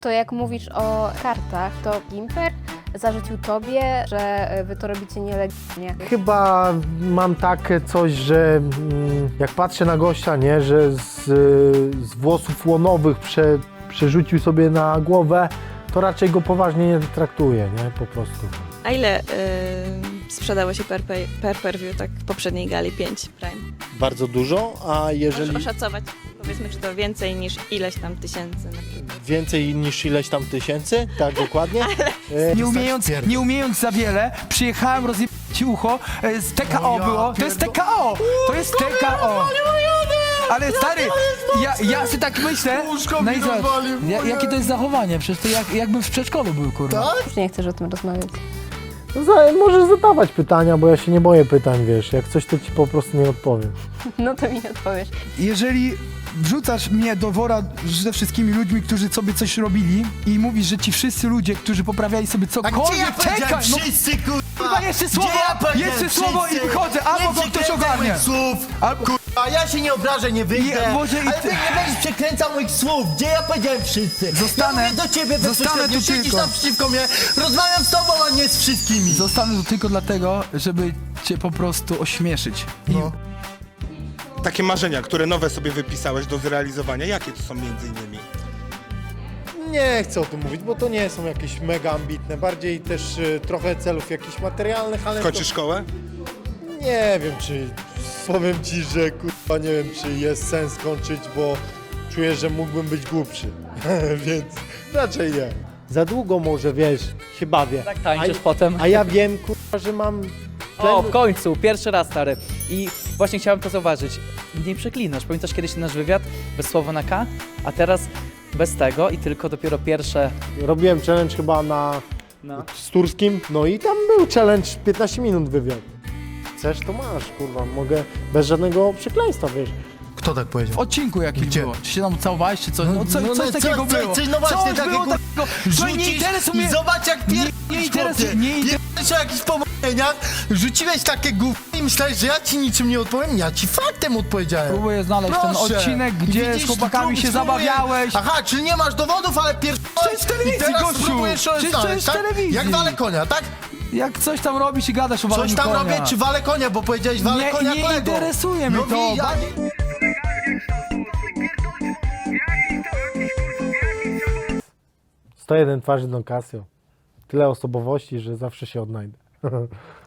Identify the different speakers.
Speaker 1: To jak mówisz o kartach, to Gimper zarzucił tobie, że wy to robicie nielegalnie.
Speaker 2: Chyba mam takie coś, że jak patrzę na gościa, nie, że z włosów łonowych przerzucił sobie na głowę, to raczej go poważnie nie traktuję, nie, po prostu.
Speaker 3: A ile sprzedało się per view tak w poprzedniej gali 5 Prime?
Speaker 4: Bardzo dużo, a jeżeli
Speaker 3: Możesz oszacować, powiedzmy, czy to więcej niż ileś tam tysięcy na przykład.
Speaker 4: więcej niż ileś tam tysięcy, tak dokładnie.
Speaker 5: Nie umiejąc za wiele, przyjechałem, rozjebać ci ucho, z TKO było, to jest TKO, to jest TKO. Ale stary, ja sobie tak myślę, no i zobacz, jakie to jest zachowanie, przecież to jakbym w przedszkolu był, kurwa.
Speaker 1: Już nie chcesz o tym rozmawiać.
Speaker 2: No, możesz zadawać pytania, bo ja się nie boję pytań, wiesz, jak coś to ci po prostu nie odpowiem.
Speaker 1: No to mi nie odpowiesz.
Speaker 5: Jeżeli wrzucasz mnie do wora ze wszystkimi ludźmi, którzy sobie coś robili i mówisz, że ci wszyscy ludzie, którzy poprawiali sobie cokolwiek, czekaj, no
Speaker 6: wszyscy,
Speaker 5: kurwa, jeszcze słowo i wychodzę, albo go ktoś ogarnie.
Speaker 6: Słów,
Speaker 5: Albo...
Speaker 6: kurwa, ja się nie obrażę, nie wyjdę,
Speaker 5: może i
Speaker 6: ale
Speaker 5: ty-
Speaker 6: ty nie będziesz przekręcał moich słów, gdzie ja powiedziałem wszyscy.
Speaker 5: Zostanę-
Speaker 6: ja mówię do ciebie
Speaker 5: zostanę
Speaker 6: bezpośrednio,
Speaker 5: tu
Speaker 6: siedzisz
Speaker 5: tylko.
Speaker 6: naprzeciwko mnie, rozmawiam z tobą, a nie z wszystkimi.
Speaker 5: Zostanę tu tylko dlatego, żeby cię po prostu ośmieszyć.
Speaker 6: No.
Speaker 7: Takie marzenia, które nowe sobie wypisałeś do zrealizowania, jakie to są między innymi?
Speaker 2: Nie chcę o tym mówić, bo to nie są jakieś mega ambitne, bardziej też trochę celów jakichś materialnych, ale
Speaker 7: Kończysz szkołę?
Speaker 2: nie wiem, czy powiem ci, że kurwa nie wiem, czy jest sens kończyć, bo czuję, że mógłbym być głupszy, więc raczej nie. Za długo może, wiesz, się bawię.
Speaker 8: Tak tańczysz potem.
Speaker 2: A ja wiem, kurwa, że mam
Speaker 8: O, w końcu, pierwszy raz, stary. I właśnie chciałem to zauważyć. Nie przeklinasz. Pamiętasz kiedyś nasz wywiad bez słowa na K? A teraz bez tego i tylko dopiero pierwsze...
Speaker 2: Robiłem challenge chyba z Turskim, no i tam był challenge 15 minut wywiad. Chcesz, to masz, kurwa, mogę bez żadnego przekleństwa, wiesz.
Speaker 6: Kto tak
Speaker 5: W
Speaker 6: powiedział?
Speaker 5: odcinku jakimś
Speaker 6: Gdzie?
Speaker 5: było. Czy się tam całowałeś, czy coś? No, coś takiego było.
Speaker 6: No właśnie,
Speaker 5: Coś
Speaker 6: takie
Speaker 5: było
Speaker 6: kur-
Speaker 5: takiego. Słuchaj, nie
Speaker 6: Rzucisz
Speaker 5: interesuje
Speaker 6: i
Speaker 5: mnie.
Speaker 6: zobacz jak
Speaker 5: Nie
Speaker 6: pierdolisz,
Speaker 5: interesuje,
Speaker 6: chłopie.
Speaker 5: nie interesuje.
Speaker 6: Pierdolisz o jakichś pomówieniach, rzuciłeś takie gówno i myślałeś, że ja ci niczym nie odpowiem? Ja ci faktem odpowiedziałem.
Speaker 5: Próbuję znaleźć ten
Speaker 6: Proszę.
Speaker 5: odcinek, gdzie
Speaker 6: Widzisz,
Speaker 5: z chłopakami się
Speaker 6: spróbuję.
Speaker 5: zabawiałeś.
Speaker 6: Aha, czyli nie masz dowodów, ale pierdolisz
Speaker 5: Przecież w telewizji,
Speaker 6: i teraz
Speaker 5: gościu.
Speaker 6: próbujesz
Speaker 5: Przecież to
Speaker 6: znaleźć,
Speaker 5: jest w
Speaker 6: tak?
Speaker 5: telewizji.
Speaker 6: Jak wale konia, tak?
Speaker 5: Jak coś tam robisz i gadasz o waleniu
Speaker 6: Coś tam
Speaker 5: konia.
Speaker 6: robię, czy wale konia, bo powiedziałeś wale konia
Speaker 5: Nie
Speaker 6: kolego.
Speaker 5: interesuje mnie
Speaker 6: No
Speaker 5: to.
Speaker 6: ja...
Speaker 2: 101 twarzy Don Casio. Tyle osobowości, że zawsze się odnajdę.